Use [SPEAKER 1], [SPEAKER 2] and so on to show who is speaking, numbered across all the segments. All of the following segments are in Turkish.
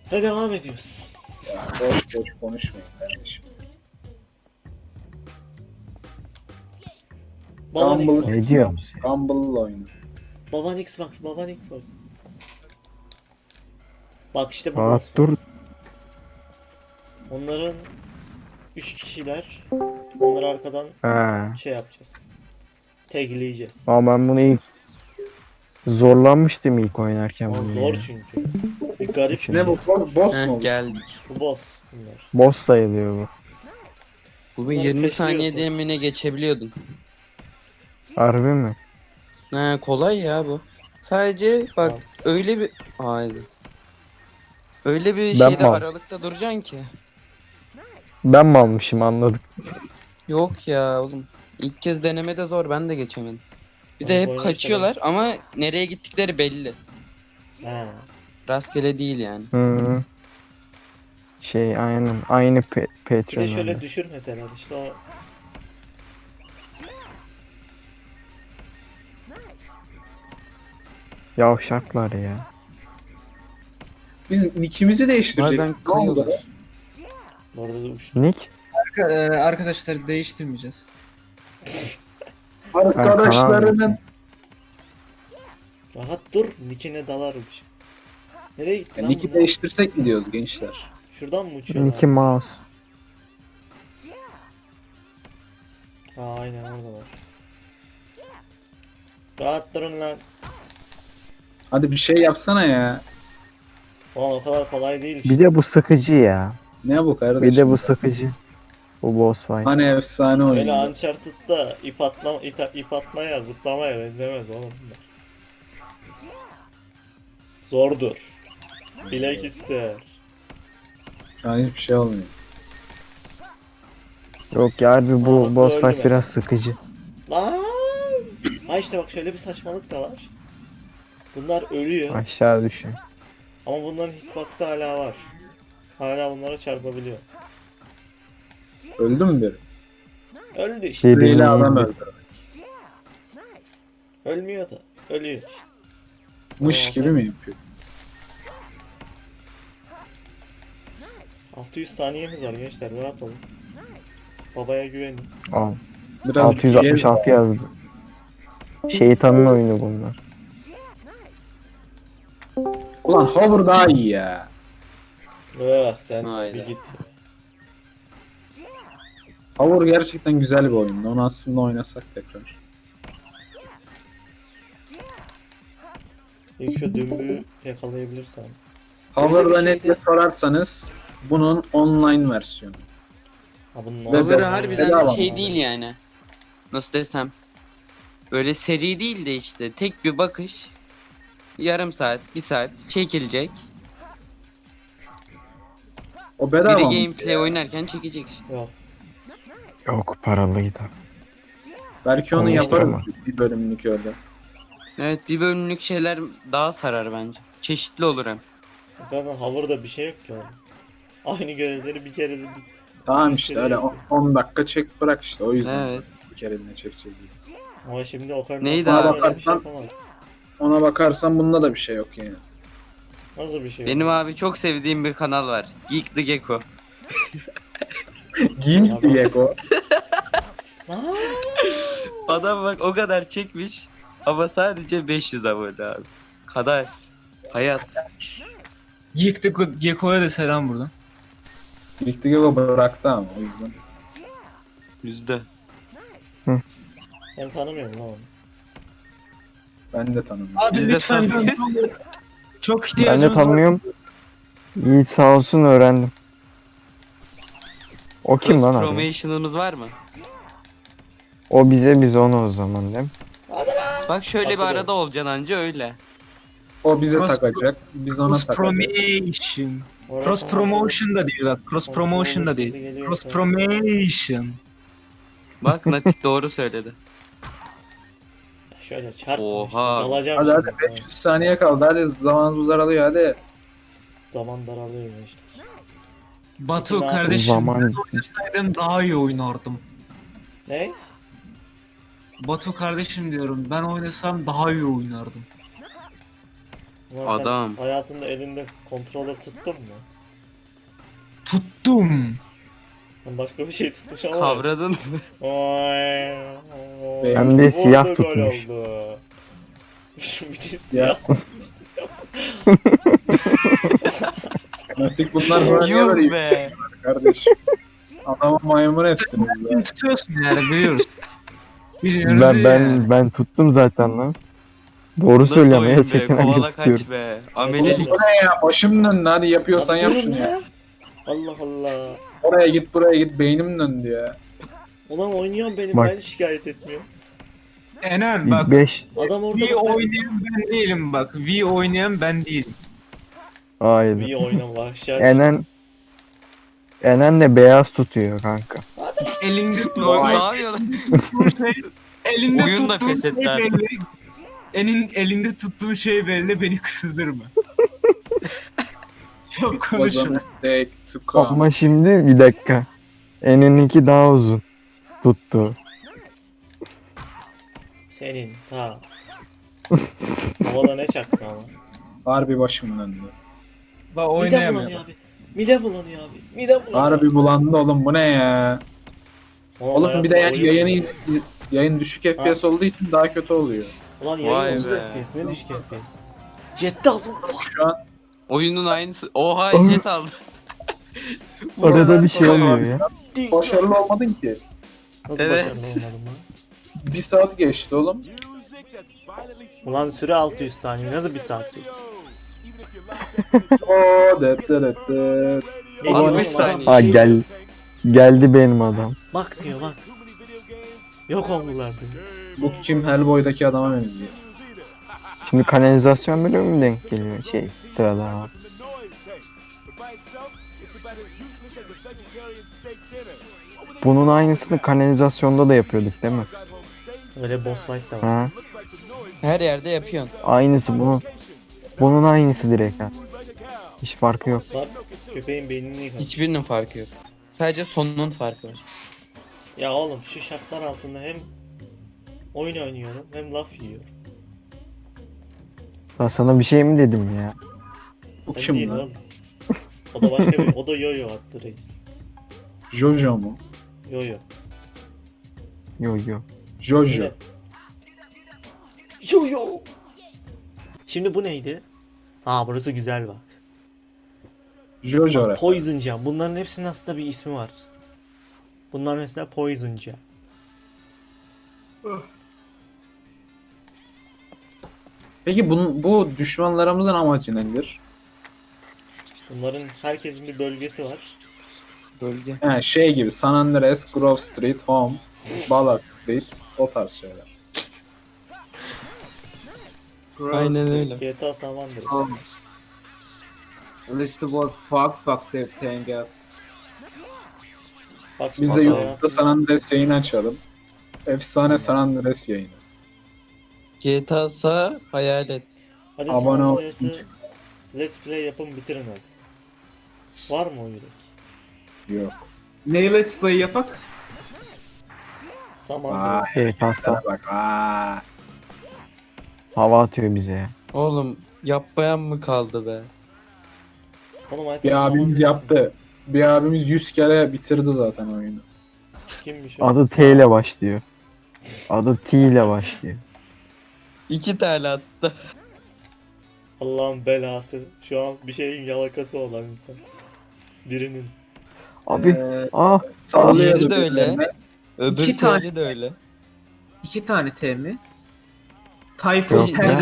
[SPEAKER 1] Hadi devam ediyoruz.
[SPEAKER 2] Ya boş boş konuşmayın kardeşim.
[SPEAKER 1] Baban
[SPEAKER 2] Rumble,
[SPEAKER 1] Xbox.
[SPEAKER 3] Ne diyorsun?
[SPEAKER 2] Rumble'la oyna.
[SPEAKER 1] Baban Xbox. Baban Xbox. Bak işte bu
[SPEAKER 3] Rahat
[SPEAKER 1] boss
[SPEAKER 3] dur.
[SPEAKER 1] fight. Onların 3 kişiler. Onları arkadan
[SPEAKER 3] He.
[SPEAKER 1] şey yapacağız. Tagleyeceğiz.
[SPEAKER 3] Ama ben bunu ilk zorlanmıştım ilk oynarken
[SPEAKER 1] Ama
[SPEAKER 3] bunu
[SPEAKER 1] zor
[SPEAKER 3] ya.
[SPEAKER 1] çünkü. Bir garip bir
[SPEAKER 3] Ne
[SPEAKER 2] Ne
[SPEAKER 1] şey.
[SPEAKER 2] bu? Boss mu
[SPEAKER 4] Heh,
[SPEAKER 2] oldu?
[SPEAKER 4] geldik.
[SPEAKER 1] Bu boss bunlar.
[SPEAKER 3] Boss sayılıyor bu.
[SPEAKER 4] Bugün
[SPEAKER 1] Bunları
[SPEAKER 4] 20
[SPEAKER 1] pesliyorsun.
[SPEAKER 4] saniyede mi ne geçebiliyordun?
[SPEAKER 3] Harbi mi?
[SPEAKER 4] He, kolay ya bu. Sadece bak
[SPEAKER 1] Tamam.
[SPEAKER 4] öyle bir... Haydi. Öyle bir
[SPEAKER 3] Ben
[SPEAKER 4] şeyde
[SPEAKER 3] mal.
[SPEAKER 4] aralıkta duracaksın ki.
[SPEAKER 3] Ben mi almışım anladık.
[SPEAKER 4] Yok ya oğlum. İlk kez denemede zor, ben de geçemedim. Bir
[SPEAKER 1] Ben
[SPEAKER 4] de
[SPEAKER 1] bu
[SPEAKER 4] hep
[SPEAKER 1] oyunu
[SPEAKER 4] kaçıyorlar ama nereye gittikleri belli.
[SPEAKER 1] Ha.
[SPEAKER 4] Rastgele değil yani.
[SPEAKER 3] Hı. Şey aynen. Aynı
[SPEAKER 1] Bir de
[SPEAKER 3] Patreon.
[SPEAKER 1] şöyle düşür mesela işte o
[SPEAKER 3] Yavşaklar ya.
[SPEAKER 2] Biz nickimizi değiştirecektik.
[SPEAKER 4] Bazen
[SPEAKER 2] Ne oldu?
[SPEAKER 4] kayıyorlar.
[SPEAKER 1] orada da uçtu.
[SPEAKER 3] Nick?
[SPEAKER 5] Arkadaşlar değiştirmeyeceğiz.
[SPEAKER 2] Arkadaşlarının
[SPEAKER 1] Rahat dur. Nick'ine dalarmış. Nereye gitti lan
[SPEAKER 2] Nick'i
[SPEAKER 1] bunlar?
[SPEAKER 2] değiştirsek mi diyoruz gençler?
[SPEAKER 1] Şuradan mı uçuyorlar?
[SPEAKER 3] Nick'i Mouse.
[SPEAKER 1] Ha aynen orada var. Rahat durun lan.
[SPEAKER 2] Hadi bir şey yapsana ya.
[SPEAKER 1] Ulan o kadar kolay değil işte.
[SPEAKER 3] Bir de bu sıkıcı ya.
[SPEAKER 2] Ne bu kardeşim?
[SPEAKER 3] Bir de bu sıkıcı. Bu boss fight.
[SPEAKER 2] Hani efsane
[SPEAKER 1] Öyle
[SPEAKER 2] oyun.
[SPEAKER 1] Uncharted'da ip atmaya zıplamaya benzemez oğlum bunlar. Zordur. Bilek ister.
[SPEAKER 2] Şu an hiçbir şey olmuyor.
[SPEAKER 3] Yok ya harbi
[SPEAKER 1] Aa,
[SPEAKER 3] bu boss
[SPEAKER 1] öldü
[SPEAKER 3] fight biraz sıkıcı.
[SPEAKER 1] Lan! Ha işte bak şöyle bir saçmalık da var. Bunlar ölüyor
[SPEAKER 3] Aşağı düşün.
[SPEAKER 1] ama bunların hitbox'ı hala var. Hala bunlara çarpabiliyor.
[SPEAKER 2] Öldü mü biri?
[SPEAKER 1] Öldü işte.
[SPEAKER 3] Şey
[SPEAKER 2] Böyle
[SPEAKER 3] benim
[SPEAKER 2] adam
[SPEAKER 3] gibi.
[SPEAKER 2] öldü.
[SPEAKER 1] Ölmüyor da. Ölüyor.
[SPEAKER 2] Mış gibi mi yapıyor?
[SPEAKER 1] 600 saniyemiz var gençler, rahat olun. Babaya güvenin.
[SPEAKER 3] Al.
[SPEAKER 2] Biraz
[SPEAKER 3] 666 yazdı. Şeytanın oyunu bunlar.
[SPEAKER 2] Ulan Hover daha iyi ya.
[SPEAKER 1] Sen
[SPEAKER 4] Hayda.
[SPEAKER 1] bir git.
[SPEAKER 2] Hover gerçekten güzel bir oyun. Onu aslında oynasak tekrar.
[SPEAKER 1] İlk şu dümbüğü yakalayabilirsem.
[SPEAKER 2] Hover'da
[SPEAKER 1] bir
[SPEAKER 2] netle
[SPEAKER 1] şeyde-
[SPEAKER 2] sorarsanız bunun online versiyonu.
[SPEAKER 1] Ha bunun
[SPEAKER 2] Ve
[SPEAKER 4] Cover
[SPEAKER 2] bedava
[SPEAKER 4] harbiden
[SPEAKER 2] mı?
[SPEAKER 4] şey değil yani. Nasıl desem. Böyle seri değil de işte tek bir bakış. Yarım saat, bir saat çekilecek.
[SPEAKER 2] O bedava
[SPEAKER 4] Biri
[SPEAKER 2] mı?
[SPEAKER 4] gameplay oynarken çekecek işte.
[SPEAKER 1] Yok.
[SPEAKER 3] Yok paralıydı.
[SPEAKER 2] Belki onu
[SPEAKER 3] Olmuştur
[SPEAKER 2] yaparız
[SPEAKER 3] ama.
[SPEAKER 2] bir bölümlük öyle.
[SPEAKER 4] Evet, bir bölümlük şeyler daha sarar bence. Çeşitli olur hem.
[SPEAKER 1] Zaten hover'da bir şey yok ki oğlum. Aynı görevleri bir kere de
[SPEAKER 2] Tamam
[SPEAKER 1] Üç
[SPEAKER 2] işte
[SPEAKER 1] kere
[SPEAKER 2] öyle
[SPEAKER 1] yapıyor.
[SPEAKER 2] 10 dakika çek bırak işte o yüzden
[SPEAKER 4] Evet.
[SPEAKER 2] bir kereliğine çekeceğiz. diye.
[SPEAKER 1] ama şimdi o kadar
[SPEAKER 4] Neydi
[SPEAKER 1] öyle
[SPEAKER 4] abi?
[SPEAKER 1] bir şey yapamaz.
[SPEAKER 2] Ona bakarsan bunda da bir şey yok yani.
[SPEAKER 1] Nasıl bir şey?
[SPEAKER 4] Benim abi çok sevdiğim bir kanal var. Geek the Gecko.
[SPEAKER 2] Gink diye o.
[SPEAKER 4] Adam bak o kadar çekmiş ama sadece 500 abone abi. Kadar. Hayat.
[SPEAKER 5] Geek'te Gekko'ya da selam buradan.
[SPEAKER 2] Gink diye o bıraktı ama o yüzden.
[SPEAKER 4] Yüzde.
[SPEAKER 1] Ben tanımıyorum lan onu.
[SPEAKER 2] Ben de tanımıyorum.
[SPEAKER 5] Abi
[SPEAKER 4] Biz de
[SPEAKER 5] lütfen
[SPEAKER 4] tanıyoruz.
[SPEAKER 5] çok
[SPEAKER 3] Ben
[SPEAKER 5] ihtiyacımız
[SPEAKER 3] de
[SPEAKER 5] var.
[SPEAKER 3] tanımıyorum. Yiğit sağ olsun öğrendim. O kim lan abi?
[SPEAKER 4] Promotion'ımız var mı?
[SPEAKER 3] O bize biz ona o zaman değil mi?
[SPEAKER 4] Bak şöyle bir
[SPEAKER 1] Haklı
[SPEAKER 4] arada olacaksın anca öyle.
[SPEAKER 2] O bize
[SPEAKER 5] Cross-
[SPEAKER 2] takacak. Biz ona
[SPEAKER 5] Cross
[SPEAKER 2] takacağız.
[SPEAKER 5] promotion.
[SPEAKER 1] Orada
[SPEAKER 5] Cross
[SPEAKER 1] tamam.
[SPEAKER 5] promotion da değil bak. Cross promotion da
[SPEAKER 1] sesi
[SPEAKER 5] değil.
[SPEAKER 1] geliyor
[SPEAKER 5] Cross
[SPEAKER 1] şu an.
[SPEAKER 5] promotion.
[SPEAKER 4] Bak Natik doğru söyledi.
[SPEAKER 1] Şöyle çarpma
[SPEAKER 4] Oha.
[SPEAKER 1] işte. Dalacağım
[SPEAKER 2] Hadi
[SPEAKER 1] şimdi
[SPEAKER 2] hadi
[SPEAKER 1] sana.
[SPEAKER 2] 500 saniye kaldı hadi zamanımız daralıyor hadi.
[SPEAKER 1] Zaman daralıyor işte.
[SPEAKER 5] Batu
[SPEAKER 1] Zaman-
[SPEAKER 5] kardeşim
[SPEAKER 3] Zaman-
[SPEAKER 5] ben oynasaydım daha iyi oynardım.
[SPEAKER 1] Ne?
[SPEAKER 5] Batu kardeşim diyorum ben oynasam daha iyi oynardım.
[SPEAKER 1] Ulan sen
[SPEAKER 4] Adam.
[SPEAKER 1] hayatında elinde controller tuttun mu?
[SPEAKER 5] Tuttum.
[SPEAKER 1] Ben başka bir şey tutmuş ama.
[SPEAKER 4] Kavradın mı?
[SPEAKER 3] Hem de siyah
[SPEAKER 1] Orada gol
[SPEAKER 3] tutmuş.
[SPEAKER 1] oldu. Bir de siyah.
[SPEAKER 2] Artık bunlar böyle niye
[SPEAKER 4] Yuh
[SPEAKER 2] böyle
[SPEAKER 4] be.
[SPEAKER 2] kardeş? Adamı maymun ettiniz be.
[SPEAKER 5] Kim tutuyorsun yani biliyoruz. Biliyoruz ya.
[SPEAKER 3] Ben tuttum zaten lan. Doğru
[SPEAKER 4] Nasıl
[SPEAKER 3] söylüyorum ya
[SPEAKER 4] oyun be?
[SPEAKER 3] Çetin abi
[SPEAKER 4] Kovala
[SPEAKER 3] tutuyorum.
[SPEAKER 4] kaç be.
[SPEAKER 2] Oğlum
[SPEAKER 4] Amelelik.
[SPEAKER 2] bu ne ya? Başım döndü, hadi yapıyorsan
[SPEAKER 1] Abi
[SPEAKER 2] yap
[SPEAKER 1] durun
[SPEAKER 2] şunu ya.
[SPEAKER 1] ya. Allah Allah.
[SPEAKER 2] Oraya git buraya git, beynim döndü ya.
[SPEAKER 1] Ulan oynuyorum benim,
[SPEAKER 3] Bak.
[SPEAKER 1] ben şikayet etmiyorum.
[SPEAKER 5] Ener bak.
[SPEAKER 3] İlk 5.
[SPEAKER 1] Adam orada
[SPEAKER 5] V
[SPEAKER 1] bak, ben...
[SPEAKER 5] oynayan ben değilim bak. V oynayan ben değilim.
[SPEAKER 3] Hayır.
[SPEAKER 1] İyi oynama aşağı.
[SPEAKER 3] Enen de beyaz tutuyor kanka.
[SPEAKER 5] Elinde
[SPEAKER 4] Ne
[SPEAKER 5] tuttuğun
[SPEAKER 4] yapıyor lan?
[SPEAKER 5] şey, elinde
[SPEAKER 4] Oyun da
[SPEAKER 5] tuttuğun şey
[SPEAKER 4] feshetti artık.
[SPEAKER 5] belli. Elinde tuttuğun şey belli, beni kızdırma. Çok
[SPEAKER 2] Was a
[SPEAKER 5] konuşma.
[SPEAKER 2] mistake to come.
[SPEAKER 3] Ama şimdi bir dakika. Eninki daha uzun. Tuttu.
[SPEAKER 1] Senin ta. Havada ne çaktı ama.
[SPEAKER 2] Harbi başım döndü.
[SPEAKER 5] Bak
[SPEAKER 1] Midem
[SPEAKER 5] oynayamıyorum.
[SPEAKER 1] bulanıyor abi. Midem bulanıyor abi. Midem bulanıyor.
[SPEAKER 2] Harbi bulandı oğlum, bu ne ya? Oğlum bir de yani yayın düşük FPS olduğu için daha kötü oluyor.
[SPEAKER 1] Ulan
[SPEAKER 4] Vay
[SPEAKER 1] yayın 30
[SPEAKER 4] be.
[SPEAKER 1] FPS, ne düşük FPS. Ciddi aldım.
[SPEAKER 2] Şu an
[SPEAKER 4] Oyunun aynısı. Oha
[SPEAKER 3] Oğlum.
[SPEAKER 4] jet aldı.
[SPEAKER 3] Arada bir şey oluyor ya.
[SPEAKER 2] başarılı olmadın ki.
[SPEAKER 1] Nasıl
[SPEAKER 4] Evet.
[SPEAKER 1] başarılı olmadım lan?
[SPEAKER 2] 1 saat geçti oğlum.
[SPEAKER 1] Ulan süre 600 saniye, nasıl bir saat geçti?
[SPEAKER 2] Oo, det det det det.
[SPEAKER 1] Ne diyor oğlum
[SPEAKER 4] 60
[SPEAKER 1] adam?
[SPEAKER 4] saniye.
[SPEAKER 3] Ha geldi benim adam.
[SPEAKER 1] Bak diyor bak. Yok oldular diyor.
[SPEAKER 2] Bu kim, Hellboy'daki adama benziyor.
[SPEAKER 3] Şimdi kanalizasyon bölümü mü denk geliyor? Sırada var. Bunun aynısını kanalizasyonda da yapıyorduk değil mi?
[SPEAKER 1] Öyle boss fight da var.
[SPEAKER 3] Ha?
[SPEAKER 4] Her yerde yapıyorsun.
[SPEAKER 3] Aynısı bu. Bunun aynısı direkt ha. Hiç farkı yok.
[SPEAKER 1] Bak köpeğin beynini yıkamış.
[SPEAKER 4] Hiçbirinin farkı yok. Sadece sonunun farkı var.
[SPEAKER 1] Ya oğlum şu şartlar altında hem oyun oynuyorum hem laf yiyorum.
[SPEAKER 3] Ben sana bir şey mi dedim ya?
[SPEAKER 2] Bu
[SPEAKER 1] Sen
[SPEAKER 2] kim
[SPEAKER 1] değil
[SPEAKER 2] lan?
[SPEAKER 1] oğlum. O da başka bir, o da yo-yo attı reis.
[SPEAKER 2] Jojo mu?
[SPEAKER 1] Yo-yo.
[SPEAKER 3] Yo.
[SPEAKER 2] Jojo.
[SPEAKER 1] Evet. Yo-yo. Şimdi bu neydi? Aa burası güzel bak.
[SPEAKER 2] Jojo.
[SPEAKER 1] Poison Jam. Bunların hepsinin aslında bir ismi var. Bunlar mesela Poison Jam.
[SPEAKER 2] Peki bu düşmanlarımızın amacı nedir?
[SPEAKER 1] Bunların herkesin bir bölgesi var.
[SPEAKER 4] Bölge.
[SPEAKER 2] He, şey gibi San Andreas, Grove Street, Home, Ballard Street, o tarz şeyler.
[SPEAKER 4] Aynen öyle.
[SPEAKER 1] GTA San Andreas.
[SPEAKER 6] List was fuck the thing up.
[SPEAKER 1] Bak
[SPEAKER 2] Biz
[SPEAKER 1] şimdi
[SPEAKER 2] de
[SPEAKER 1] hayatım-
[SPEAKER 2] YouTube'da San Andreas yayını açalım. Efsane San Andreas yayını.
[SPEAKER 4] GTA sağ hayal et.
[SPEAKER 1] Hadi
[SPEAKER 2] Abone
[SPEAKER 1] San
[SPEAKER 2] ol.
[SPEAKER 1] Andreas'ı Let's Play yapın bitirin hadi. Var mı o yürek?
[SPEAKER 2] Yok.
[SPEAKER 6] Ne let's play yapak?
[SPEAKER 1] San
[SPEAKER 2] Aa,
[SPEAKER 1] Andreas.
[SPEAKER 3] Kasa
[SPEAKER 2] bak. Aa.
[SPEAKER 3] hava atıyor bize ya.
[SPEAKER 4] Oğlum yapmayan mı kaldı be?
[SPEAKER 1] Oğlum hayatım
[SPEAKER 2] Bir
[SPEAKER 1] San
[SPEAKER 2] abimiz
[SPEAKER 1] Andreas
[SPEAKER 2] yaptı. Bir abimiz 100 kere bitirdi zaten oyunu.
[SPEAKER 1] Kimmiş o?
[SPEAKER 3] Adı T ile başlıyor. Adı T ile başlıyor.
[SPEAKER 4] 2 tane attı.
[SPEAKER 1] Allah'ın belası. Şu an bir şeyin yalakası olan insan. Birinin.
[SPEAKER 3] Abi
[SPEAKER 2] Ee,
[SPEAKER 3] ah
[SPEAKER 2] sallıyordu
[SPEAKER 4] Diğeri de öyle.
[SPEAKER 2] birilerine.
[SPEAKER 4] Öbür
[SPEAKER 6] İki tane.
[SPEAKER 4] tane de öyle.
[SPEAKER 6] 2 tane T mi? Tayfun
[SPEAKER 3] Yok,
[SPEAKER 6] Terkan.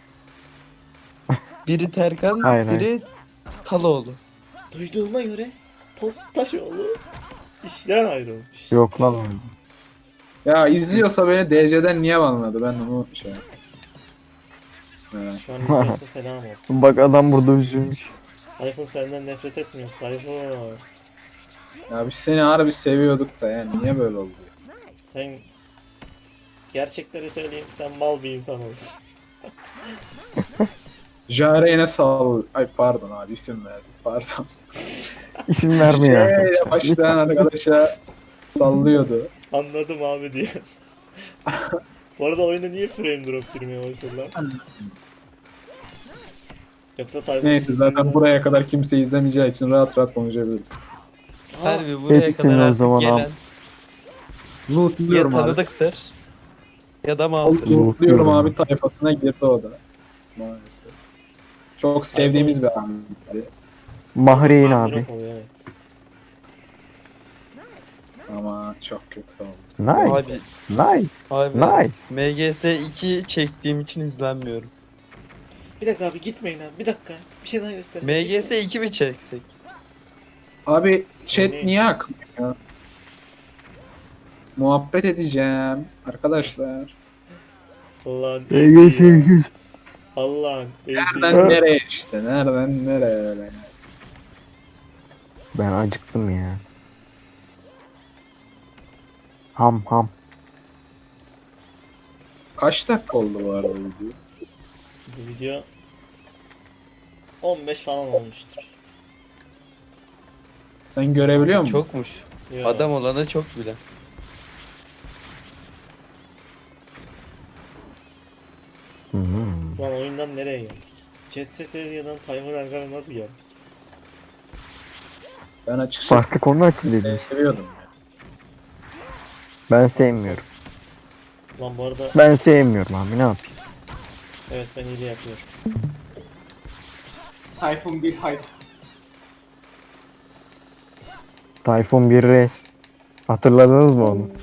[SPEAKER 4] Biri Terkan,
[SPEAKER 3] Hayır,
[SPEAKER 4] biri Taloğlu.
[SPEAKER 1] Duyduğuma göre Postaşoğlu işten ayrılmış.
[SPEAKER 3] yok lan öyle.
[SPEAKER 2] Ya izliyorsa beni DC'den niye banladı, ben onu şey. Evet.
[SPEAKER 1] Şu an izliyorsa selam olsun.
[SPEAKER 3] Bak adam burada üzülmüş.
[SPEAKER 1] Tayfun senden nefret etmiyoruz Tayfun.
[SPEAKER 2] Ya biz seni harbi seviyorduk da yani niye böyle oldu?
[SPEAKER 1] Sen gerçekleri söyleyeyim, sen mal bir insan olsun.
[SPEAKER 2] Jare'ne sağ Ay pardon abi, isim verdim. Pardon.
[SPEAKER 3] İsim verme ya.
[SPEAKER 2] Şeyle başlayan arkadaşa sallıyordu.
[SPEAKER 1] Anladım abi diye. Bu arada oyunda niye frame drop girmeye başladı lan? Yoksa Tayfun...
[SPEAKER 2] Neyse zaten buraya kadar kimse izlemeyeceği için rahat rahat konuşabiliriz.
[SPEAKER 1] Ha,
[SPEAKER 7] Harbi buraya
[SPEAKER 3] hepsini
[SPEAKER 7] kadar
[SPEAKER 3] o
[SPEAKER 7] artık
[SPEAKER 3] zaman
[SPEAKER 7] gelen
[SPEAKER 3] al.
[SPEAKER 7] ya
[SPEAKER 6] Lootluyorum abi.
[SPEAKER 7] tanıdıktır ya da mal.
[SPEAKER 2] Diyorum abi tayfasına girdi o da. Maalesef. Çok sevdiğimiz bir abi bizi.
[SPEAKER 3] Mahreyn
[SPEAKER 1] Drop
[SPEAKER 3] abi.
[SPEAKER 1] oluyor, evet.
[SPEAKER 2] Ama çok kötü oldu.
[SPEAKER 3] Nice. Nice.
[SPEAKER 7] Abi
[SPEAKER 3] Nice.
[SPEAKER 7] MGS 2 çektiğim için izlenmiyorum.
[SPEAKER 1] Bir dakika abi gitmeyin abi. Bir dakika. Bir şey daha gösterin.
[SPEAKER 7] MGS 2 mi çeksek?
[SPEAKER 2] Abi chat
[SPEAKER 1] Neymiş?
[SPEAKER 2] niye akmıyor? Muhabbet edeceğim arkadaşlar.
[SPEAKER 1] Allah'ın
[SPEAKER 3] Ege
[SPEAKER 1] ezi ya.
[SPEAKER 3] şey.
[SPEAKER 1] Allah'ın ezi.
[SPEAKER 2] Nereden nereye işte? Nereden nereye öyle?
[SPEAKER 3] Ben acıktım ya. Ham ham.
[SPEAKER 2] Kaç dakika oldu bu arada video?
[SPEAKER 1] Bu video 15 falan olmuştur.
[SPEAKER 2] Sen görebiliyor musun?
[SPEAKER 7] Çokmuş.
[SPEAKER 1] Yo.
[SPEAKER 7] Adam olanı çok bile.
[SPEAKER 3] Hmm.
[SPEAKER 1] Lan oyundan nereye geldik? Jet Set Radia'dan Tayfun Erkan'a nasıl geldik?
[SPEAKER 2] Ben açıkçası
[SPEAKER 3] Farklı konu açın dedim işte.
[SPEAKER 2] seviyordum. Ya.
[SPEAKER 3] Ben sevmiyorum.
[SPEAKER 1] Lan bu arada
[SPEAKER 3] Ben sevmiyorum abi ne yapayım.
[SPEAKER 1] evet ben iyi yapıyorum.
[SPEAKER 6] Tayfun bir hype.
[SPEAKER 3] Tayfun 1 res. Hatırladınız mı onu?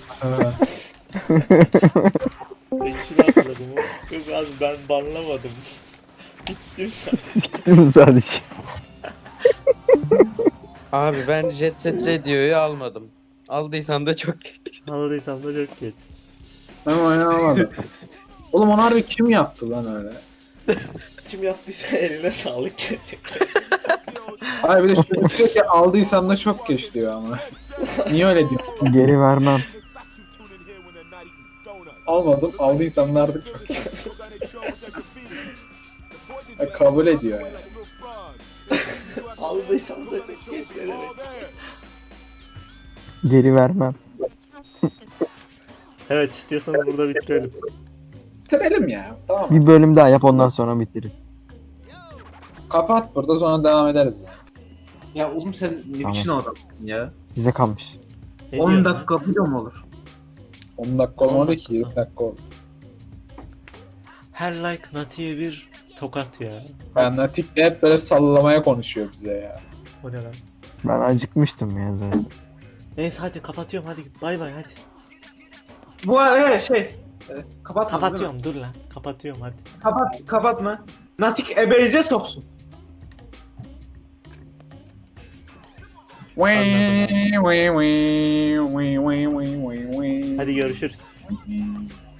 [SPEAKER 1] Ben şunu hatırladım. Yok abi ben banlamadım. Gittim sen.
[SPEAKER 3] Siktim sadece.
[SPEAKER 7] Abi ben Jet Set Radio'yu almadım. Aldıysam da çok geç.
[SPEAKER 1] Anladıysam da çok geç.
[SPEAKER 2] Ben oynamadım. Oğlum onu harbi kim yaptı lan öyle?
[SPEAKER 1] Kim yaptıysa eline sağlık gerçekten.
[SPEAKER 2] Hayır bir de çocuk diyor ki aldıysam da çok geç diyor ama. Niye öyle diyor?
[SPEAKER 3] Geri vermem.
[SPEAKER 2] Almadım aldıysam da artık çok geç. Ya, kabul ediyor yani.
[SPEAKER 1] Aldıysam da çok geç ne demek.
[SPEAKER 3] Geri vermem.
[SPEAKER 1] Evet istiyorsanız burada bitirelim.
[SPEAKER 2] Bitirelim ya. Tamam.
[SPEAKER 3] Bir bölüm daha yap ondan sonra bitiririz.
[SPEAKER 2] Kapat burada sonra devam ederiz. Yani.
[SPEAKER 6] Ya oğlum sen ne
[SPEAKER 3] Tamam.
[SPEAKER 6] biçim adamsın ya?
[SPEAKER 3] Size kalmış.
[SPEAKER 1] Ne
[SPEAKER 6] 10
[SPEAKER 1] diyorsun
[SPEAKER 6] dakika video mu olur?
[SPEAKER 2] 10 dakika
[SPEAKER 1] 10
[SPEAKER 2] olmadı
[SPEAKER 1] dakika
[SPEAKER 2] ki 20
[SPEAKER 1] sonra.
[SPEAKER 2] dakika oldu.
[SPEAKER 1] Her like Nati'ye bir tokat ya.
[SPEAKER 2] Yani Natik de hep böyle sallamaya konuşuyor bize ya.
[SPEAKER 1] O ne lan?
[SPEAKER 3] Ben acıkmıştım ya zaten.
[SPEAKER 1] Neyse hadi kapatıyorum hadi bay bay hadi.
[SPEAKER 6] Bu kapat.
[SPEAKER 1] Kapatıyorum dur lan kapatıyorum hadi.
[SPEAKER 6] Kapatma. Natik ebeyze soksun.
[SPEAKER 1] Hadi görüşürüz.